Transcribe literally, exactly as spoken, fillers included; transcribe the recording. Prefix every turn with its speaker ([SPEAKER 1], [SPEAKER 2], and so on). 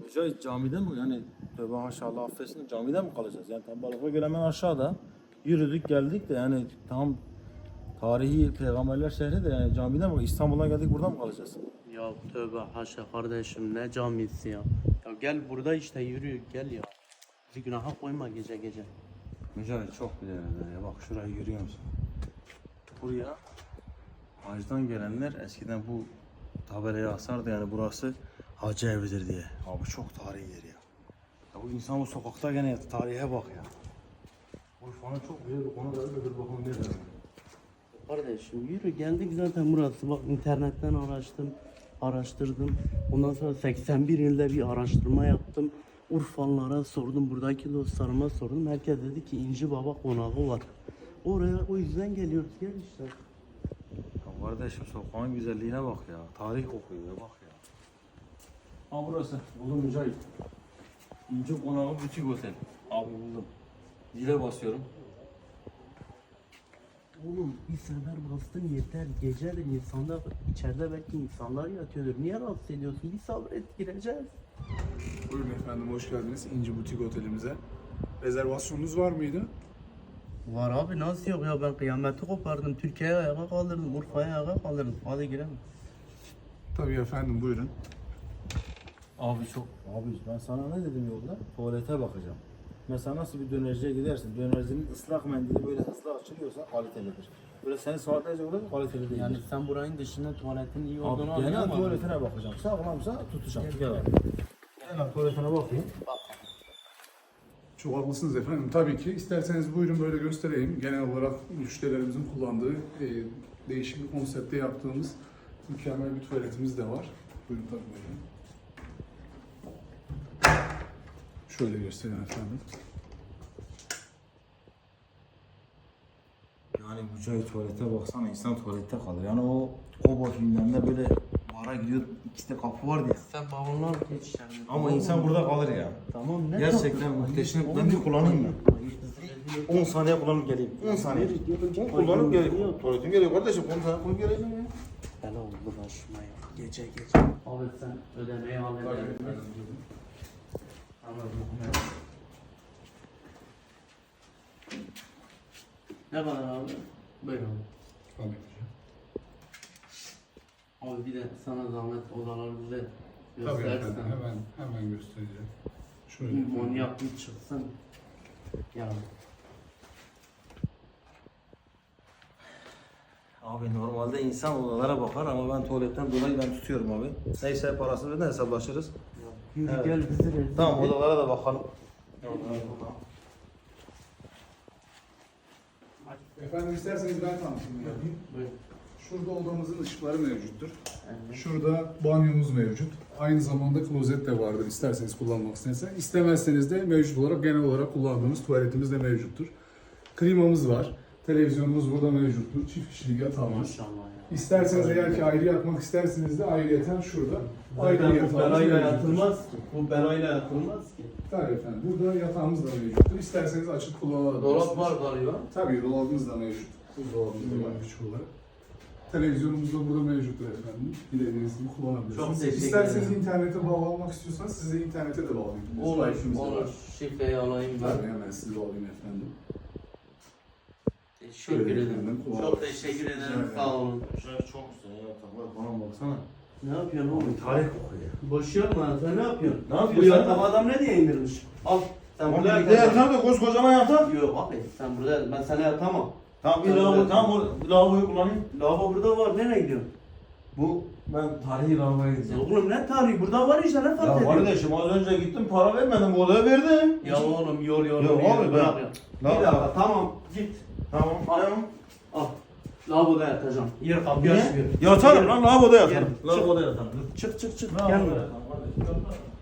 [SPEAKER 1] Mücahit camide mi yani tövbe haşa Allah affetsin camide mi kalacağız? Yani tam balıkla göre hemen aşağıda yürüdük geldik de yani tam tarihi peygamberler şehri de yani camide mi İstanbul'dan geldik burada mı kalacağız?
[SPEAKER 2] Ya tövbe haşa kardeşim ne camisi ya. Ya gel burada işte yürü gel ya. Bizi günaha koyma gece gece.
[SPEAKER 1] Mücahit çok güzel ya bak şurayı görüyor musun? Buraya hacdan gelenler eskiden bu tabelaya asardı yani burası hacı evidir diye. Abi çok tarihi yer ya. Ya bu insan bu sokakta gene tarihe bak ya. Urfa'nın çok güzel bir konu da öyle bir bakalım ne der.
[SPEAKER 2] Kardeşim yürü geldik zaten burası. Bak internetten araştım, araştırdım. Ondan sonra seksen bir ilde bir araştırma yaptım. Urfalılara sordum, buradaki dostlarıma sordum. Herkes dedi ki İnci Baba konağı var. Oraya o yüzden geliyoruz. Gel işte.
[SPEAKER 1] Ya kardeşim sokağın güzelliğine bak ya. Tarih kokuyor ya bak ya. Ha burası. Buldum Mücahit. İnci Konağı Butik Otel. Abi buldum. Zile basıyorum.
[SPEAKER 2] Oğlum bir sefer bastın yeter. Gece de insanlar içeride belki insanlar yatıyordur. Niye rahatsız ediyorsun? Bir sabret gireceğiz.
[SPEAKER 3] Buyurun efendim, hoş geldiniz İnci Butik Otelimize. Rezervasyonunuz var mıydı?
[SPEAKER 2] Var abi nasıl yok ya ben kıyameti kopardım. Türkiye'ye ayağa kaldırdım. Urfa'ya ayağa kaldırdım. Hadi girelim.
[SPEAKER 3] Tabii efendim, buyurun.
[SPEAKER 1] Abi çok. Abi ben sana ne dedim yolda? Tuvalete bakacağım. Mesela nasıl bir dönerciye gidersin? Dönercinin ıslak mendili böyle hızlı açılıyorsa kalitelidir. Böyle seni saatlerce burada kaliteli değil.
[SPEAKER 2] Yani sen buranın dışında tuvaletin iyi
[SPEAKER 1] Abi
[SPEAKER 2] olduğunu
[SPEAKER 1] genel
[SPEAKER 2] anlayamadın.
[SPEAKER 1] tuvaletine bakacağım. Sağlamsa tutacağım. Gel abi. Genel tuvaletine bakayım.
[SPEAKER 3] Çok haklısınız efendim. Tabii ki. İsterseniz buyurun böyle göstereyim. Genel olarak müşterilerimizin kullandığı e, değişik bir konsepte yaptığımız mükemmel bir tuvaletimiz de var. Buyurun tabii buyurun. Şöyle göstereyim efendim.
[SPEAKER 1] Yani Mücahit tuvalete baksana insan tuvalette kalır. Yani o Kobo filmlerinde böyle bara gidiyor iki de kapı var diye.
[SPEAKER 2] Sen bavullar geç içeride.
[SPEAKER 1] Ama insan burada kalır ya.
[SPEAKER 2] Tamam ne
[SPEAKER 1] Gerçekten
[SPEAKER 2] tatlı.
[SPEAKER 1] muhteşem.
[SPEAKER 2] Oğlum,
[SPEAKER 1] Ben bir kullanayım mı?
[SPEAKER 2] hayır,
[SPEAKER 1] on saniye kullanıp geleyim. on saniye. on kullanıp geleyim. Tuvaletim geliyor kardeşim. on saniye kullanıp geleceğim ya.
[SPEAKER 2] Bela oldu başıma ya. Gece gece. Abi sen ödemeyi al
[SPEAKER 3] Tabii
[SPEAKER 2] edelim.
[SPEAKER 3] efendim, buyurun.
[SPEAKER 2] Anladım. Ne kadar abi? Buyurun.
[SPEAKER 3] Tabii ki.
[SPEAKER 2] Abi bir de sana zahmet odaları bize
[SPEAKER 3] Tabii
[SPEAKER 2] göstersen.
[SPEAKER 3] efendim, hemen hemen göstereceğim. Şöyle
[SPEAKER 2] Bir
[SPEAKER 3] efendim.
[SPEAKER 2] manyak bir çıksın. Ya.
[SPEAKER 1] Abi normalde insan odalara bakar ama ben tuvaletten dolayı ben tutuyorum abi. Neyse parasını öden hesaplaşırız.
[SPEAKER 2] Yürü
[SPEAKER 1] Evet.
[SPEAKER 2] gel bizi rezil
[SPEAKER 1] Tamam
[SPEAKER 2] et.
[SPEAKER 1] odalara da bakalım.
[SPEAKER 3] Efendim isterseniz ben tanıtımını yapayım.
[SPEAKER 2] Buyur.
[SPEAKER 3] Şurada odamızın ışıkları mevcuttur.
[SPEAKER 2] Evet.
[SPEAKER 3] Şurada banyomuz mevcut. Aynı zamanda klozet de vardır isterseniz kullanmak isterseniz. İstemezseniz de mevcut olarak genel olarak kullandığımız tuvaletimiz de mevcuttur. Klimamız var. Televizyonumuz burada mevcuttur. Çift kişilik yatağımız.
[SPEAKER 2] Maşallah ya.
[SPEAKER 3] İsterseniz eğer ki ayrı yatmak isterseniz de ayrıyeten şurada ayrı
[SPEAKER 2] Zaten bu
[SPEAKER 3] yatağımız
[SPEAKER 2] belayla
[SPEAKER 3] mevcuttur.
[SPEAKER 2] yatılmaz ki. Bu belayla yatılmaz ki.
[SPEAKER 3] Tabii efendim. Burada yatağımız da mevcuttur. İsterseniz açık kullanabilirsiniz.
[SPEAKER 2] Dolap var galiba.
[SPEAKER 3] Tabii dolabımız da mevcut. Buzdolabımız da var küçük olarak. Televizyonumuz da burada mevcuttur efendim. Dilediğiniz gibi kullanabilirsiniz.
[SPEAKER 2] Çok teşekkür
[SPEAKER 3] İsterseniz
[SPEAKER 2] ederim.
[SPEAKER 3] internete bağlanmak istiyorsanız size internete de bağlayabiliriz.
[SPEAKER 2] Olur,
[SPEAKER 3] Wi-Fi'miz de
[SPEAKER 2] olur.
[SPEAKER 3] var.
[SPEAKER 2] Şifreyi alayım ben.
[SPEAKER 3] Tabii hemen sizi bağlayayım efendim.
[SPEAKER 2] Teşekkür
[SPEAKER 3] Şöyle
[SPEAKER 2] ederim.
[SPEAKER 3] efendim,
[SPEAKER 2] Çok
[SPEAKER 3] kulağım.
[SPEAKER 2] teşekkür ederim.
[SPEAKER 3] ederim.
[SPEAKER 2] Sağ olun.
[SPEAKER 1] Şöyle çok güzel ya yataklar bana baksana.
[SPEAKER 2] Ne yapıyorsun oğlum?
[SPEAKER 1] Tarih kokuyor.
[SPEAKER 2] Boş yapma. Sen ne yapıyorsun?
[SPEAKER 1] Ne yapıyorsun
[SPEAKER 2] Bu
[SPEAKER 1] sen?
[SPEAKER 2] yatak adam ne diye indirmiş? Al. Sen
[SPEAKER 1] Tamam
[SPEAKER 2] burada
[SPEAKER 1] bir de
[SPEAKER 2] yatacaksın.
[SPEAKER 1] yatak da koskocaman yatak.
[SPEAKER 2] Yok abi sen burada ben sana yatamam.
[SPEAKER 1] Tamam bir
[SPEAKER 2] Sen
[SPEAKER 1] lavabo
[SPEAKER 2] burada-
[SPEAKER 1] tamam o lavaboyu kullanayım.
[SPEAKER 2] Lavabo burada var. Nereye gidiyorsun?
[SPEAKER 1] Bu ben tarihi lavaboya gideceğim.
[SPEAKER 2] Oğlum ne tarihi? Burada var işte ne fark
[SPEAKER 1] Ya
[SPEAKER 2] ediyor?
[SPEAKER 1] kardeşim az önce gittim para vermedim bu odaya verdim.
[SPEAKER 2] Ya oğlum yol yol.
[SPEAKER 1] Ya
[SPEAKER 2] yol,
[SPEAKER 1] abi,
[SPEAKER 2] yol,
[SPEAKER 1] ben-
[SPEAKER 2] bırak ya. Bir
[SPEAKER 1] Lavabo-
[SPEAKER 2] dakika tamam git.
[SPEAKER 1] Tamam ayağım.
[SPEAKER 2] Al. Lavaboda yatacağım. Yer kapıyı açmıyor.
[SPEAKER 1] Yatarım lan lavaboda yatarım.
[SPEAKER 2] Gel, çık.
[SPEAKER 1] Lavaboda yatarım.
[SPEAKER 2] Çık çık çık.
[SPEAKER 1] Lavaboda
[SPEAKER 2] Gelme.
[SPEAKER 1] yatarım kardeşim.